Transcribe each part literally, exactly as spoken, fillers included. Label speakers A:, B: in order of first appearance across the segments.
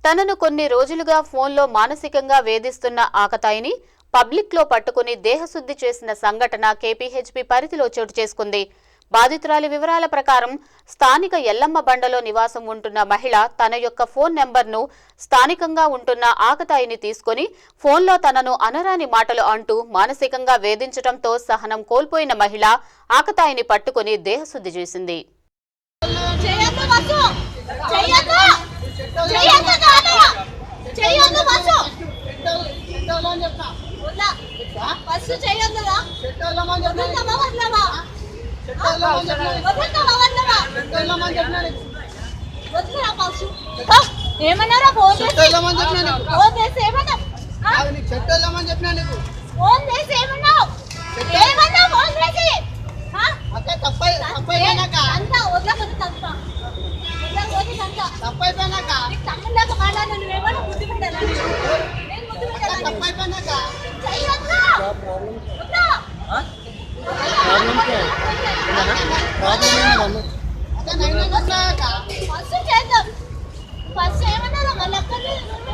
A: తనను కొన్ని రోజులుగా ఫోన్లో మానసికంగా వేధిస్తున్న ఆకతాయిని పబ్లిక్లో పట్టుకుని దేహశుద్ధి చేసిన సంఘటన కేపీహెచ్బీ పరిధిలో చోటు చేసుకుంది. బాధితురాలి వివరాల ప్రకారం స్థానిక ఎల్లమ్మ బండలో నివాసం ఉంటున్న మహిళ తన యొక్క ఫోన్ నెంబర్ను స్థానికంగా ఉంటున్న ఆకతాయిని తీసుకుని ఫోన్లో తనను అనరాని మాటలు అంటూ మానసికంగా వేధించడంతో సహనం కోల్పోయిన మహిళ ఆకతాయిని పట్టుకుని దేహశుద్ధి చేసింది.
B: ఏమన్నారా ఫోన్ చేసి ఫోన్ చేసి ఏమన్నా
C: చెట్టోళ్ళమని చెప్పినా నీకు
B: ఫోన్ చేసి ఏమన్నావు ఏమన్నా ఫోన్ చేసి
C: తప్పై తప్పైపోయినాక
B: అంతా వదలకపోతే తప్ప వదలకపోతే అంత
C: తప్పైపోయినాక
B: నీకు తమ్ముళ్ళక మాట్లాడిన నువ్వేమన్నా బుద్ధి పెట్టాలా నేను బుద్ధి పెట్టాలా
C: తప్పైపోయినాక
B: చెయ్యొద్దు వద్దు ఫస్ట్ చేద్దాం ఫస్ట్ ఏమన్నా మళ్ళీ అక్కడ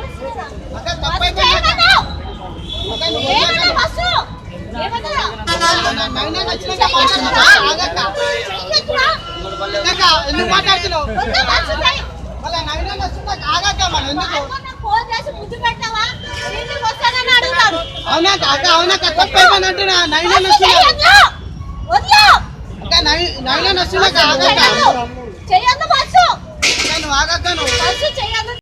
C: ఎందుకు మాట్లాడుతున్నావు అవునా కాక అవునా తప్పైపోయినట్టు నైన్ వస్తున్నా నైన్ వస్తున్నా
B: చెయ్యొద్దు ఫస్ట్
C: నువ్వు ఆగక్క నువ్వు
B: ఫస్ట్ చెయ్యొద్దు